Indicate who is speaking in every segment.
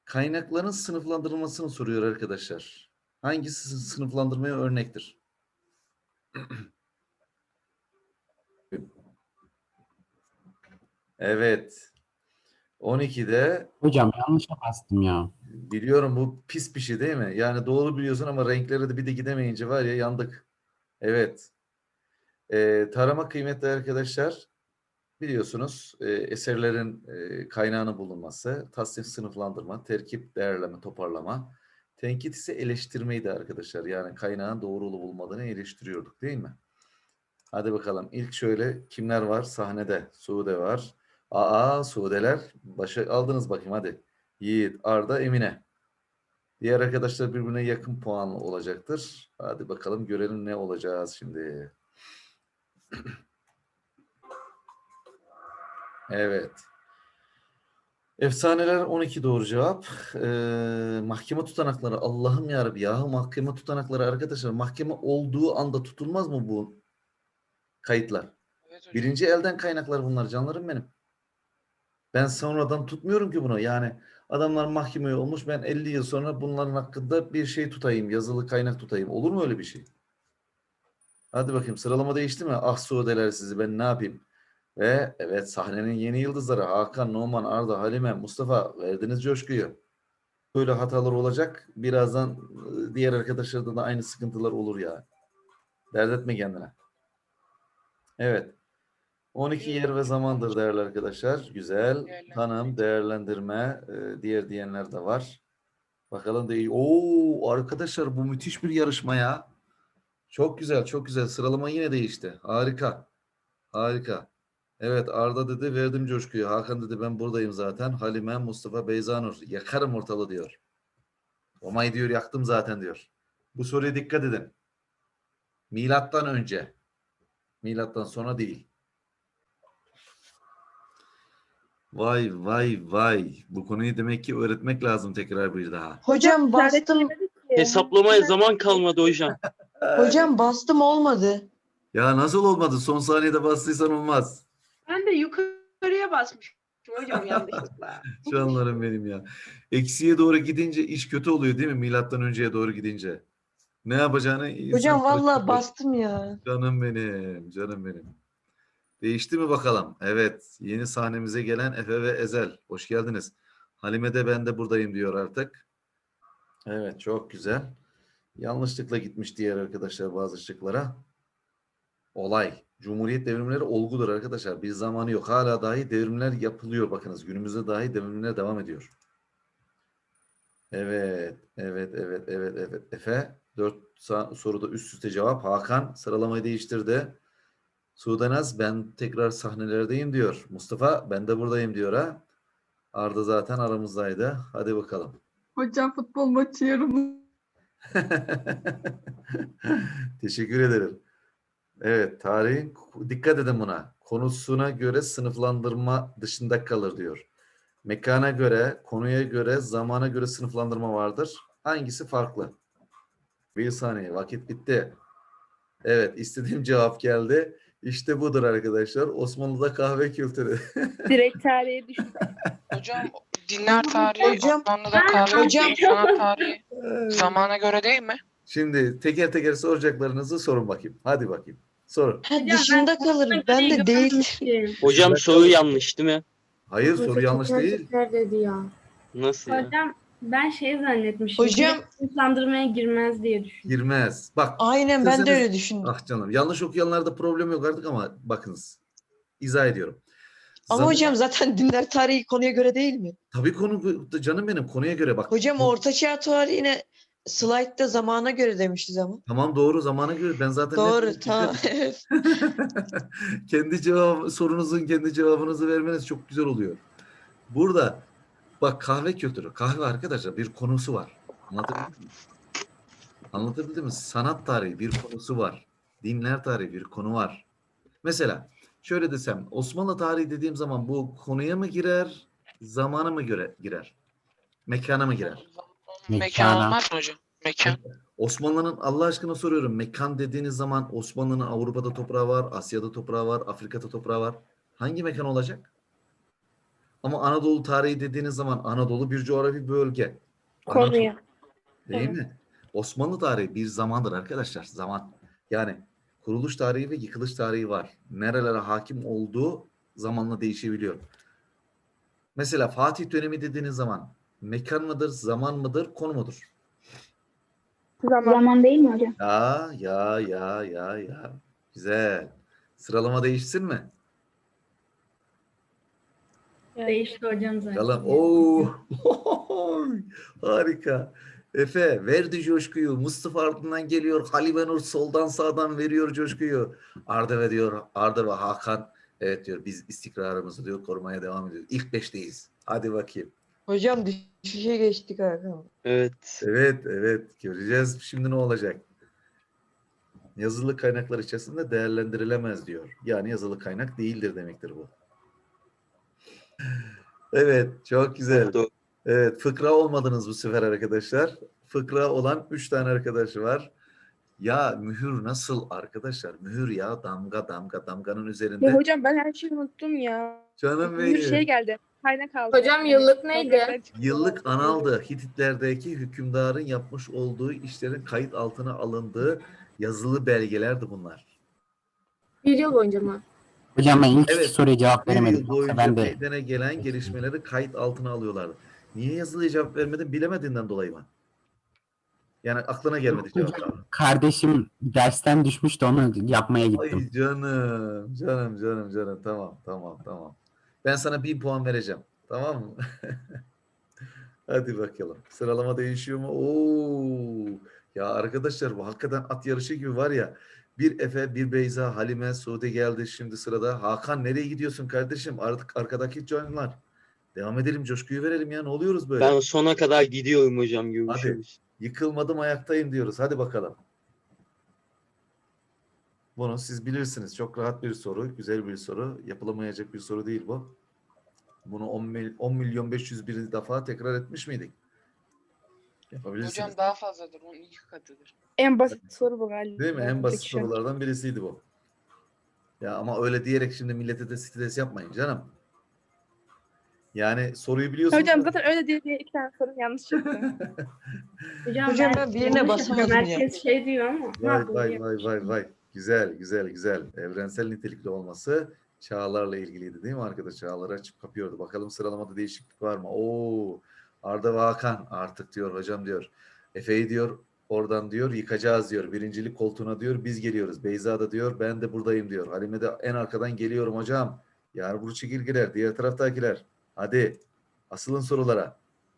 Speaker 1: Kaynakların sınıflandırılmasını soruyor arkadaşlar. Hangisi sınıflandırmaya örnektir? Evet. 12'de
Speaker 2: Hocam yanlışa bastım ya.
Speaker 1: biliyorum bu pis bir şey değil mi? Yani doğru biliyorsun ama renklere de bir de gidemeyince var ya yandık. Evet. Tarama kıymetli arkadaşlar biliyorsunuz eserlerin kaynağının bulunması, tasnif sınıflandırma, terkip değerleme, toparlama. Tenkit ise eleştirmeydi arkadaşlar. Yani kaynağın doğru olup olmadığını eleştiriyorduk değil mi? Hadi bakalım. İlk şöyle kimler var? Sahnede Sude var. Sudeler. Başa aldınız bakayım hadi. Yiğit, Arda, Emine. Diğer arkadaşlar birbirine yakın puanlı olacaktır. Hadi bakalım görelim ne olacağız şimdi. Evet. Efsaneler 12 doğru cevap. Mahkeme tutanakları. Allah'ım yarabbim ya. Mahkeme tutanakları arkadaşlar. Mahkeme olduğu anda tutulmaz mı bu kayıtlar?
Speaker 3: Evet hocam.
Speaker 1: Birinci elden kaynaklar bunlar canlarım benim. Ben sonradan tutmuyorum ki bunu. Yani adamlar mahkemeye olmuş. Ben 50 yıl sonra bunların hakkında bir şey tutayım. Yazılı kaynak tutayım. Olur mu öyle bir şey? Hadi bakayım sıralama değişti mi? Ah Suudeler sizi ben ne yapayım? Ve evet sahnenin yeni yıldızları Hakan, Numan, Arda, Halime, Mustafa verdiniz coşkuyu. Böyle hatalar olacak. Birazdan diğer arkadaşlarda da aynı sıkıntılar olur ya. Dert etme kendine. Evet. 12 yer ve zamandır değerli arkadaşlar. Güzel. Tanım, değerlendirme, diğer diyenler de var. Bakalım da iyi. Oo arkadaşlar bu müthiş bir yarışma ya. Çok güzel, çok güzel. Sıralama yine değişti. Harika. Harika. Evet Arda dedi verdim coşkuyu. Hakan dedi ben buradayım zaten. Halime, Mustafa, Beyzanur yakarım ortalığı diyor. Omay diyor yaktım zaten diyor. Bu soruya dikkat edin. Milattan önce. Milattan sonra değil. Vay vay vay. Bu konuyu demek ki öğretmek lazım tekrar bir daha.
Speaker 4: Hocam bastım.
Speaker 5: Hesaplamaya zaman kalmadı hocam.
Speaker 4: Hocam bastım olmadı.
Speaker 1: Ya nasıl olmadı? Son saniyede bastıysan olmaz.
Speaker 6: Ben de yukarıya basmışım hocam yanlışlıkla.
Speaker 1: Canlarım benim ya. Eksiye doğru gidince iş kötü oluyor değil mi? Milattan önceye doğru gidince. Ne yapacağını insan
Speaker 4: Hocam vallahi
Speaker 1: karıştırıyor.
Speaker 4: bastım ya.
Speaker 1: Canım benim, canım benim. Değişti mi bakalım? Evet, yeni sahnemize gelen Efe ve Ezel. Hoş geldiniz. Halime de ben de buradayım diyor artık. Evet, çok güzel. Yanlışlıkla gitmiş diğer arkadaşlar bazı şıklara. Olay. Cumhuriyet devrimleri olgudur arkadaşlar. Bir zamanı yok. Hala dahi devrimler yapılıyor. Bakınız günümüzde dahi devrimler devam ediyor. Evet, evet, evet, evet, evet. Efe, 4 soruda üst üste cevap. Hakan sıralamayı değiştirdi. Sudanaz ben tekrar sahnelerdeyim diyor. Mustafa ben de buradayım diyor ha. Arda zaten aramızdaydı. Hadi bakalım.
Speaker 7: Hocam futbol maçı yarım.
Speaker 1: Teşekkür ederim. Evet, tarihin dikkat edin buna. Konusuna göre sınıflandırma dışında kalır diyor. Mekana göre, konuya göre, zamana göre sınıflandırma vardır. Hangisi farklı? Bir saniye, vakit bitti. Evet, istediğim cevap geldi. İşte budur arkadaşlar. Osmanlı'da kahve kültürü.
Speaker 8: Direkt tarihe düştük.
Speaker 3: Hocam dinler tarihi,
Speaker 4: Hocam-
Speaker 3: Osmanlı'da kahve,
Speaker 4: Hocam-
Speaker 3: sanat tarihi zamana göre değil mi?
Speaker 1: Şimdi teker teker soracaklarınızı sorun bakayım. Hadi bakayım. Sorun.
Speaker 4: Ha, dışında kalır. Ben de değil.
Speaker 5: Hocam soru yanlış değil mi?
Speaker 1: Hayır soru yanlış değil.
Speaker 8: dedi ya.
Speaker 5: Nasıl ya?
Speaker 8: Hocam ben şey zannetmişim.
Speaker 4: Hocam-
Speaker 8: Sınıflandırmaya girmez diye düşündüm.
Speaker 1: Girmez. Bak.
Speaker 4: Aynen ben de
Speaker 1: isterseniz-
Speaker 4: öyle düşündüm.
Speaker 1: Ah canım. Yanlış okuyanlarda problem yok artık ama bakınız. İzah ediyorum.
Speaker 4: Ama hocam zaten dinler tarihi konuya göre değil mi?
Speaker 1: Tabii konu canım benim konuya göre bak.
Speaker 4: Hocam Ortaçağ tarihine slaytta zamana göre demişiz ama.
Speaker 1: Tamam doğru zamana göre ben zaten
Speaker 4: Doğru tamam.
Speaker 1: kendi sorunuzun kendi cevabınızı vermeniz çok güzel oluyor. Burada bak kahve kültürü. Kahve arkadaşlar bir konusu var. Anlatabildim mi? Anlatabildim mi? Sanat tarihi bir konusu var. Dinler tarihi bir konu var. Mesela şöyle desem Osmanlı tarihi dediğim zaman bu konuya mı girer, zamana mı göre girer? Mekana mı girer?
Speaker 3: Mekan
Speaker 5: Mekana.
Speaker 3: olmaz mı hocam? Mekan.
Speaker 1: Osmanlı'nın Allah aşkına soruyorum. Mekan dediğiniz zaman Osmanlı'nın Avrupa'da toprağı var, Asya'da toprağı var, Afrika'da toprağı var. Hangi mekan olacak? Ama Anadolu tarihi dediğiniz zaman Anadolu bir coğrafi bölge.
Speaker 8: Konuya.
Speaker 1: Değil mi? Osmanlı tarihi bir zamandır arkadaşlar. Zaman. Yani kuruluş tarihi ve yıkılış tarihi var. Nerelere hakim olduğu zamanla değişebiliyor. Mesela Fatih dönemi dediğiniz zaman mekan mıdır, zaman mıdır, konu mudur?
Speaker 8: Zaman değil mi hocam?
Speaker 1: Ya. Güzel. Sıralama değişsin mi?
Speaker 8: Değişti hocam zaten.
Speaker 1: Yalan. Oo. Harika. Efe verdi coşkuyu. Mustafa ardından geliyor. Halime Nur soldan sağdan veriyor coşkuyu. Arda ve Hakan evet diyor biz istikrarımızı diyor korumaya devam ediyoruz. İlk beşteyiz. Hadi bakayım.
Speaker 4: Hocam düşüşe geçtik Hakan.
Speaker 5: Evet.
Speaker 1: Evet göreceğiz şimdi ne olacak. Yazılı kaynaklar içerisinde değerlendirilemez diyor. Yani yazılı kaynak değildir demektir bu. Evet çok güzel.
Speaker 5: Doğru.
Speaker 1: Evet, fıkra olmadınız bu sefer arkadaşlar. Fıkra olan 3 tane arkadaşı var. Ya mühür nasıl arkadaşlar? Mühür ya damganın üzerinde.
Speaker 9: Ya hocam ben her şeyi unuttum ya.
Speaker 1: Canım
Speaker 9: Bir şey
Speaker 1: benim.
Speaker 9: geldi. Kaynak aldı.
Speaker 8: Hocam yıllık neydi?
Speaker 9: Topraktan çıktı.
Speaker 1: Yıllık analdı. Hititlerdeki hükümdarın yapmış olduğu işlerin kayıt altına alındığı yazılı belgelerdi bunlar.
Speaker 8: Bir yıl boyunca mı?
Speaker 2: Hocam ben ilk
Speaker 1: Evet.
Speaker 2: iki soruya cevap
Speaker 1: Bir
Speaker 2: veremedim.
Speaker 1: yıl
Speaker 2: Yoksa
Speaker 1: boyunca
Speaker 2: ben de
Speaker 1: meydana gelen gelişmeleri kayıt altına alıyorlardı. Niye yazılıya cevap vermedin? Bilemediğinden dolayı mı? Yani aklına gelmedi cevap.
Speaker 2: kardeşim dersten düşmüştü onu yapmaya gittim.
Speaker 1: Ay canım. Tamam. Ben sana 1000 puan vereceğim. Tamam mı? Hadi bakalım. Sıralama değişiyor mu? Oo. Ya arkadaşlar bu hakikaten at yarışı gibi var ya. Bir Efe, bir Beyza, Halime, Sude geldi şimdi sırada. Hakan nereye gidiyorsun kardeşim? Artık arkadaki canlar. Devam edelim, coşkuyu verelim ya. Ne oluyoruz böyle?
Speaker 5: Ben sona kadar gidiyorum hocam. Görüşürüz.
Speaker 1: Yıkılmadım ayaktayım diyoruz. Hadi bakalım. Bunu siz bilirsiniz. Çok rahat bir soru. Güzel bir soru. Yapılamayacak bir soru değil bu. Bunu 10 milyon 501 defa tekrar etmiş miydik? Yapabilirsiniz.
Speaker 3: Hocam daha fazladır. Onun 2 katıdır.
Speaker 9: En basit soru bu galiba.
Speaker 1: Değil mi? En basit
Speaker 9: Peki şu an.
Speaker 1: sorulardan birisiydi bu. Ya ama öyle diyerek şimdi millete de stres yapmayın canım. Yani soruyu biliyorsunuz.
Speaker 9: Hocam zaten öyle diye 2 tane soru yanlış çıktı.
Speaker 4: Hocam ben birine
Speaker 8: yanlış
Speaker 4: basamadım
Speaker 8: yapıyorum.
Speaker 4: ya.
Speaker 8: Herkes şey diyor ama.
Speaker 1: Vay. Güzel. Evrensel nitelikli olması çağlarla ilgiliydi değil mi arkadaş? Çağları açıp kapıyordu. Bakalım sıralamada değişiklik var mı? Oo, Arda ve Hakan artık diyor hocam diyor. Efe'yi diyor oradan diyor yıkacağız diyor. Birincilik koltuğuna diyor biz geliyoruz. Beyza da diyor ben de buradayım diyor. Halime de en arkadan geliyorum hocam. Yağmur çekirgeler diğer taraftakiler. Hadi asılın sorulara.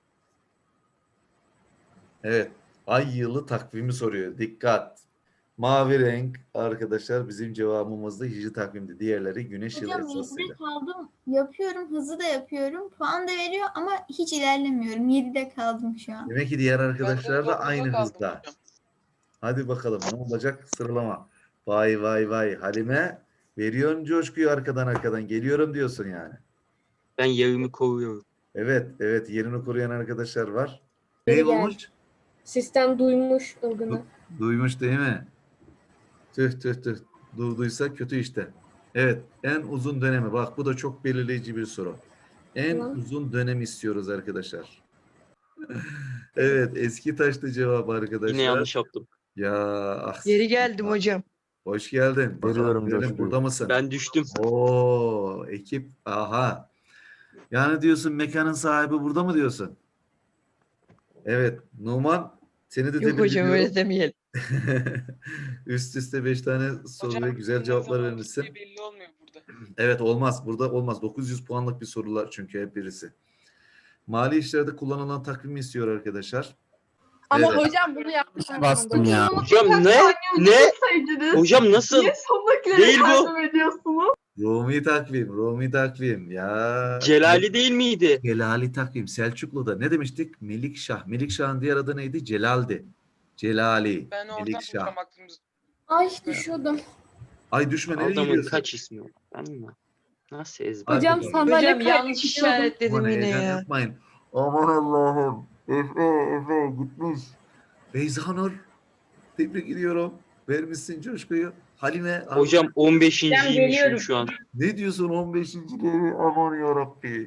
Speaker 1: Evet. Ay yılı takvimi soruyor. Dikkat. Mavi renk arkadaşlar bizim cevabımızda hicri takvimdi. Diğerleri güneş yılı
Speaker 10: Hocam
Speaker 1: esasıyla.
Speaker 10: 7'de kaldım. Yapıyorum. Hızlı da yapıyorum. Puan da veriyor ama hiç ilerlemiyorum. 7'de kaldım şu an.
Speaker 1: Demek ki diğer arkadaşlar da
Speaker 3: dokuzda
Speaker 1: aynı
Speaker 3: kaldım
Speaker 1: hızda.
Speaker 3: hocam.
Speaker 1: Hadi bakalım ne olacak sıralama. Vay. Halime veriyorsun coşkuyu arkadan geliyorum diyorsun yani.
Speaker 5: Ben yerimi koruyorum.
Speaker 1: Evet yerini koruyan arkadaşlar var.
Speaker 8: Biri
Speaker 1: Ne
Speaker 8: geldi.
Speaker 1: olmuş?
Speaker 8: Sistem duymuş ılgını.
Speaker 1: Duymuş değil mi? Tüh. Durduysa kötü işte. Evet en uzun dönemi. Bak bu da çok belirleyici bir soru. En
Speaker 8: Tamam.
Speaker 1: uzun dönem istiyoruz arkadaşlar. Evet eski taşlı cevap arkadaşlar.
Speaker 5: Yine yanlış yaptım.
Speaker 1: Ya ah.
Speaker 4: Geri geldim hocam.
Speaker 1: Hoş geldin.
Speaker 11: Veriyorum
Speaker 1: Bakalım,
Speaker 11: coşkuyu.
Speaker 1: burada mısın?
Speaker 5: Ben düştüm.
Speaker 1: Oo ekip aha. Yani diyorsun mekanın sahibi burada mı diyorsun? Evet Numan seni de
Speaker 4: Yok
Speaker 1: tebrik
Speaker 4: hocam
Speaker 1: ediyorum.
Speaker 4: öyle demeyelim.
Speaker 1: Üst üste 5 tane soru ve
Speaker 3: Hocam,
Speaker 1: güzel
Speaker 3: ne
Speaker 1: cevaplar
Speaker 3: zaman
Speaker 1: vermişsin.
Speaker 3: bittiği belli olmuyor burada.
Speaker 1: Evet olmaz. Burada olmaz. 900 puanlık bir sorular çünkü hep birisi. Mali işlerde kullanılan takvimi istiyor arkadaşlar.
Speaker 9: Ama
Speaker 1: Evet.
Speaker 9: hocam bunu yapmış.
Speaker 2: Bastım ya.
Speaker 5: Hocam ne? Hocam nasıl?
Speaker 7: Niye sondakileri
Speaker 5: Değil bu.
Speaker 7: takdim ediyorsunuz?
Speaker 1: Rumi takvim. Ya.
Speaker 5: Celali değil miydi?
Speaker 1: Celali takvim. Selçuklu'da ne demiştik? Melikşah. Melikşah'ın diğer adı neydi? Celal'di. Celali.
Speaker 3: Ben oradan
Speaker 1: Melikşah.
Speaker 3: hocam aklımız.
Speaker 8: Ay düşüyordum.
Speaker 1: Ay düşme nereye
Speaker 5: Adamın
Speaker 1: gidiyorsun?
Speaker 5: kaç ismi var? Ben mi? Nasıl ezber?
Speaker 1: Hadi
Speaker 8: Hocam
Speaker 1: bakalım.
Speaker 8: sandalye
Speaker 4: Hocam yanlış
Speaker 8: kaybediyordum.
Speaker 4: işaretledim
Speaker 1: Aman
Speaker 4: yine
Speaker 1: heyecan
Speaker 4: ya.
Speaker 1: yapmayın. Aman Allah'ım. Efe gitmiş. Beyzanur. Tebrik ediyorum. Vermişsin coşkuyu. Halime.
Speaker 5: Hocam 15.ymişim
Speaker 8: geliyorum.
Speaker 5: şu an.
Speaker 1: Ne diyorsun 15. levi? Aman yarabbi.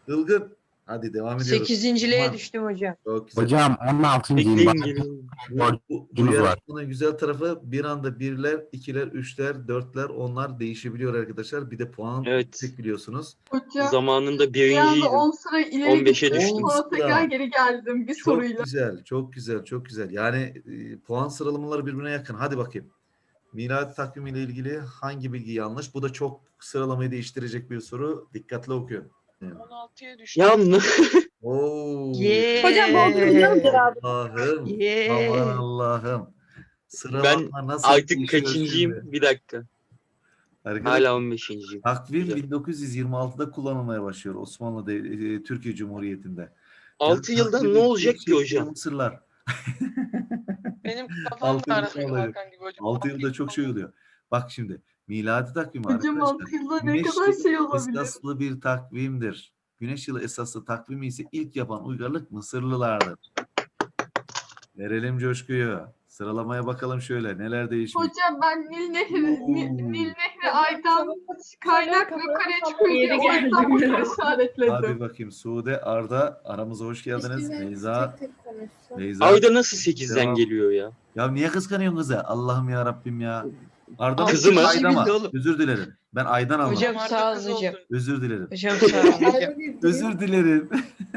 Speaker 1: Ilgın. Hadi devam ediyoruz.
Speaker 4: 8.liğe
Speaker 1: Aman,
Speaker 4: düştüm hocam.
Speaker 1: çok güzel.
Speaker 2: Hocam 16.'yim.
Speaker 5: Bekleyin
Speaker 2: Bak,
Speaker 5: geliyorum.
Speaker 1: Bu
Speaker 2: borcumuz var.
Speaker 1: yarışmanın güzel tarafı bir anda birler, ikiler, üçler, dörtler, onlar değişebiliyor arkadaşlar. Bir de puan
Speaker 5: Evet.
Speaker 1: yüksek biliyorsunuz.
Speaker 7: Hocam
Speaker 5: Zamanında
Speaker 7: bir anda
Speaker 5: birinciydim.
Speaker 7: 10 sıra ileri
Speaker 5: 15'e
Speaker 7: gittim.
Speaker 5: düştüm.
Speaker 7: Sonra tekrar geri geldim bir
Speaker 1: Çok
Speaker 7: soruyla.
Speaker 1: güzel, çok güzel, çok güzel. Yani puan sıralamaları birbirine yakın. Hadi bakayım. Miladi takvim ile ilgili hangi bilgi yanlış? Bu da çok sıralamayı değiştirecek bir soru. Dikkatli okuyun.
Speaker 3: 16'ya düştü.
Speaker 5: Ya
Speaker 1: Oo.
Speaker 9: Hocam bu hocam cevabı.
Speaker 1: Allah'ım.
Speaker 4: Yeah.
Speaker 1: Aman Allah'ım. Sıralama nasıl
Speaker 5: artık
Speaker 1: değişiyor
Speaker 5: kaçıncıyım?
Speaker 1: şimdi?
Speaker 5: Bir dakika.
Speaker 1: Arkadaşlar,
Speaker 5: Hala 15'inciyim.
Speaker 1: takvim
Speaker 5: Güzel.
Speaker 1: 1926'da kullanılmaya başlıyor Osmanlı Türkiye Cumhuriyeti'nde.
Speaker 5: 6
Speaker 1: Yani
Speaker 5: yılda
Speaker 1: takvim
Speaker 5: ne olacak
Speaker 1: bir
Speaker 5: ki hocam?
Speaker 1: Mısırlar.
Speaker 3: Benim kafam
Speaker 1: Altı yılda
Speaker 3: karışık
Speaker 1: olacak.
Speaker 3: Hakan gibi hocam.
Speaker 1: 6 yılda çok şey oluyor. Bak şimdi miladi takvimi
Speaker 7: Hocam
Speaker 1: arkadaşlar
Speaker 7: 6 yılda ne
Speaker 1: güneş
Speaker 7: kadar
Speaker 1: yılı
Speaker 7: şey olabilir.
Speaker 1: esaslı bir takvimdir. Güneş yılı esaslı takvimi ise ilk yapan uygarlık Mısırlılardır. Verelim coşkuyu. Sıralamaya bakalım şöyle neler değişmiş.
Speaker 7: Hocam ben Nil Nehri Ay'dan kaynak yukarıya çıkıyor diye
Speaker 8: Yeri
Speaker 7: o yüzden
Speaker 8: geldi.
Speaker 7: bunu
Speaker 1: Hadi
Speaker 7: işaretledim.
Speaker 1: bakayım Sude, Arda aramıza hoş geldiniz. Beyza,
Speaker 8: Tek tek konuşsun.
Speaker 1: Beyza.
Speaker 5: Ayda nasıl 8'den
Speaker 1: Devam.
Speaker 5: geliyor ya?
Speaker 1: Ya niye kıskanıyorsun kızı? Allah'ım ya Rabbim ya. Arda
Speaker 5: Kızı mı?
Speaker 1: Ayda mı?
Speaker 4: Bildi oğlum.
Speaker 1: Özür dilerim. Ben Aydan almadım.
Speaker 4: Hocam
Speaker 3: Arda
Speaker 4: sağ
Speaker 3: kız
Speaker 4: olun hocam.
Speaker 3: oldu.
Speaker 1: Özür dilerim.
Speaker 4: Hocam sağ olun hocam.
Speaker 8: Ayrı bir durum.
Speaker 1: Özür dilerim.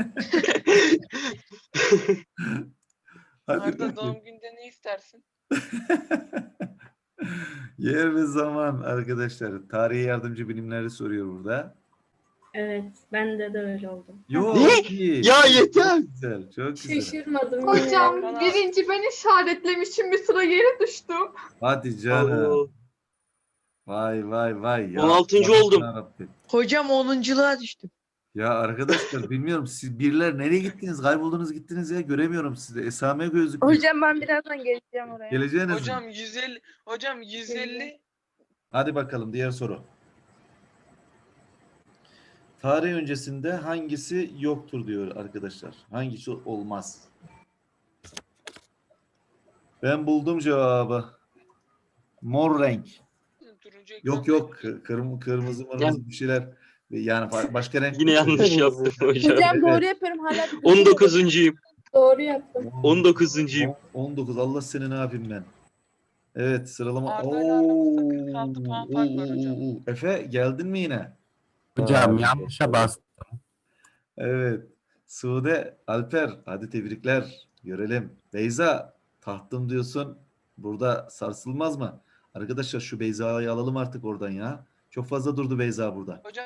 Speaker 1: Hadi
Speaker 3: Arda
Speaker 1: bakayım.
Speaker 3: doğum günde ne istersin?
Speaker 1: Yer ve zaman arkadaşlar. Tarihe yardımcı bilimleri soruyor burada.
Speaker 8: Evet, bende de öyle oldu.
Speaker 1: Yok.
Speaker 5: Ne?
Speaker 1: iyi.
Speaker 5: Ya yeter.
Speaker 1: Çok güzel. Çok güzel.
Speaker 8: Şaşırmadım. yine.
Speaker 7: Hocam
Speaker 3: Bana-
Speaker 7: birinci ben işaretlemişim bir sıra geri düştüm.
Speaker 1: Hadi canım.
Speaker 5: Oo.
Speaker 1: Vay vay vay. Ya,
Speaker 5: 16.
Speaker 1: Allah'ım
Speaker 5: oldum.
Speaker 1: yarabbim.
Speaker 4: Hocam 10.luğa düştüm.
Speaker 1: Ya arkadaşlar bilmiyorum siz birler nereye gittiniz? Kayboldunuz gittiniz ya. Göremiyorum sizi. Esame gözüküyor.
Speaker 9: Hocam ben birazdan geleceğim oraya.
Speaker 1: Geleceğiniz mi?
Speaker 3: Hocam 150. Hocam 150.
Speaker 1: Hadi bakalım diğer soru. Tarih öncesinde hangisi yoktur diyor arkadaşlar. Hangisi olmaz? Ben buldum cevabı. Mor renk.
Speaker 3: Turuncu
Speaker 1: Yok
Speaker 3: ekran
Speaker 1: yok. Kırmızı mırmızı bir şeyler. Yani başka renk.
Speaker 5: Yine yanlış yaptım hocam.
Speaker 9: Hocam doğru yapıyorum hala.
Speaker 5: 19'uncuyum.
Speaker 8: Doğru yaptım.
Speaker 5: 19'uncuyum.
Speaker 1: 19. Allah seni ne yapayım ben. Evet sıralama.
Speaker 3: Arda'yla aramızda 46 puan fark var hocam.
Speaker 1: Efe geldin mi yine?
Speaker 2: Hocam
Speaker 1: Vay,
Speaker 2: yanlışa bastım.
Speaker 1: Evet. Sude, Alper hadi tebrikler. Görelim. Beyza tahtım diyorsun. Burada sarsılmaz mı? Arkadaşlar şu Beyza'yı alalım artık oradan ya. Çok fazla durdu Beyza burada.
Speaker 3: Hocam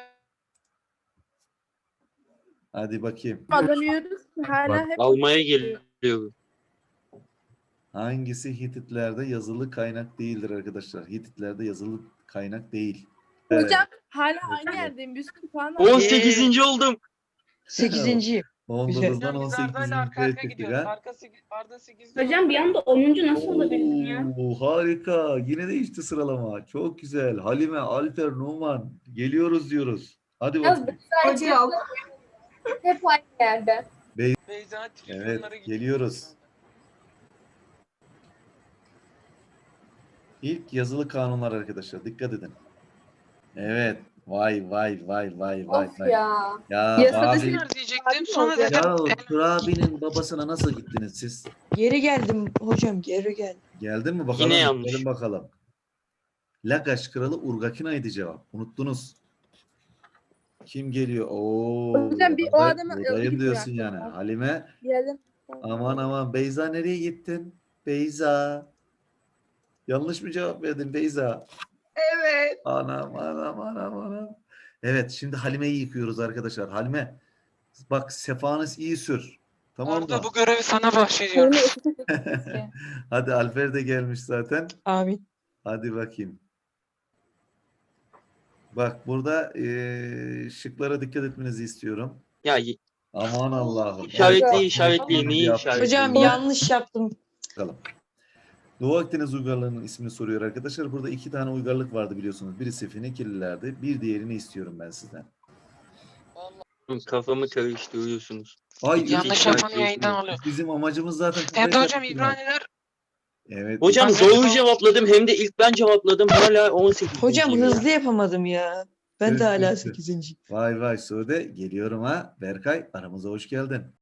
Speaker 1: Hadi bakayım.
Speaker 9: Kazanıyoruz. Hala hep
Speaker 5: Almaya geliyorum.
Speaker 1: Hangisi Hititlerde yazılı kaynak değildir arkadaşlar? Hititlerde yazılı kaynak değil.
Speaker 9: hocam hala aynı
Speaker 1: Evet.
Speaker 9: yerdeyim. 100 puan var.
Speaker 5: 18. oldum.
Speaker 4: 8.yim.
Speaker 1: 19'dan
Speaker 3: hocam biz
Speaker 1: 18.
Speaker 3: Arda'yla arka arka
Speaker 1: çıktık
Speaker 3: gidiyoruz.
Speaker 1: ha.
Speaker 3: Arda 8.
Speaker 8: Hocam bir anda 10. nasıl olabildin ya?
Speaker 1: Harika. Yine değişti sıralama. Çok güzel. Halime, Alper, Numan. Geliyoruz diyoruz. Hadi
Speaker 8: Yaz
Speaker 1: bakalım.
Speaker 8: sadece
Speaker 7: Hocam.
Speaker 8: hep aynı yerde.
Speaker 3: Beyza
Speaker 1: Evet,
Speaker 3: trilyonlara gidiyor.
Speaker 1: geliyoruz. İlk yazılı kanunlar arkadaşlar. Dikkat edin. Evet. Vay vay vay vay vay
Speaker 8: Of
Speaker 1: vay.
Speaker 8: ya.
Speaker 1: Ya
Speaker 9: Yasada
Speaker 1: abi.
Speaker 9: şimdi-
Speaker 3: Diyecektim sonra
Speaker 9: Abi,
Speaker 3: dedim.
Speaker 1: Ya Turabi'nin babasına nasıl gittiniz siz?
Speaker 4: Geri geldim hocam geri geldim.
Speaker 1: Geldin mi bakalım?
Speaker 5: Yine yanlış.
Speaker 1: Gelin bakalım. Lagaş kralı Urgakina'ydı cevap. Unuttunuz. Kim geliyor? Oo.
Speaker 9: Hocam bir o adamı
Speaker 1: buradayım
Speaker 9: ilgi
Speaker 1: diyorsun
Speaker 9: bıraktım
Speaker 1: yani.
Speaker 9: ben.
Speaker 1: Halime.
Speaker 9: Geldim.
Speaker 1: Aman aman Beyza nereye gittin? Beyza. Yanlış mı cevap verdin Beyza?
Speaker 7: Evet.
Speaker 1: Anam anam anam anam. Evet şimdi Halime'yi yıkıyoruz arkadaşlar. Halime bak sefanız iyi sür. Tamam mı?
Speaker 3: Arda bu görevi sana bahşediyorum.
Speaker 1: Hadi Alper de gelmiş zaten.
Speaker 4: Amin.
Speaker 1: Hadi bakayım. Bak burada şıklara dikkat etmenizi istiyorum.
Speaker 5: Ya
Speaker 1: Aman Allah'ım.
Speaker 5: işaretleyin. Neyi
Speaker 1: Yaptım.
Speaker 5: işaretleyin?
Speaker 4: Hocam yanlış yaptım.
Speaker 1: Bakalım. Doğu Akdeniz uygarlığının ismini soruyor arkadaşlar. Burada 2 tane uygarlık vardı biliyorsunuz. Birisi Fenikelilerdi. Bir diğerini istiyorum ben sizden.
Speaker 5: Kafamı karıştırıyorsunuz.
Speaker 1: Ay,
Speaker 3: Yanlış yapan yayından alıyor.
Speaker 1: Bizim amacımız zaten.
Speaker 3: Hem de hocam İbraniler
Speaker 1: Evet.
Speaker 5: Hocam
Speaker 3: Anne,
Speaker 5: doğru
Speaker 3: tamam.
Speaker 5: cevapladım hem de ilk ben cevapladım hala 18.
Speaker 4: Hocam hızlı yapamadım ya. Ben de hala
Speaker 1: Evet.
Speaker 4: 8.
Speaker 1: Vay vay Sude geliyorum ha. Berkay aramıza hoş geldin.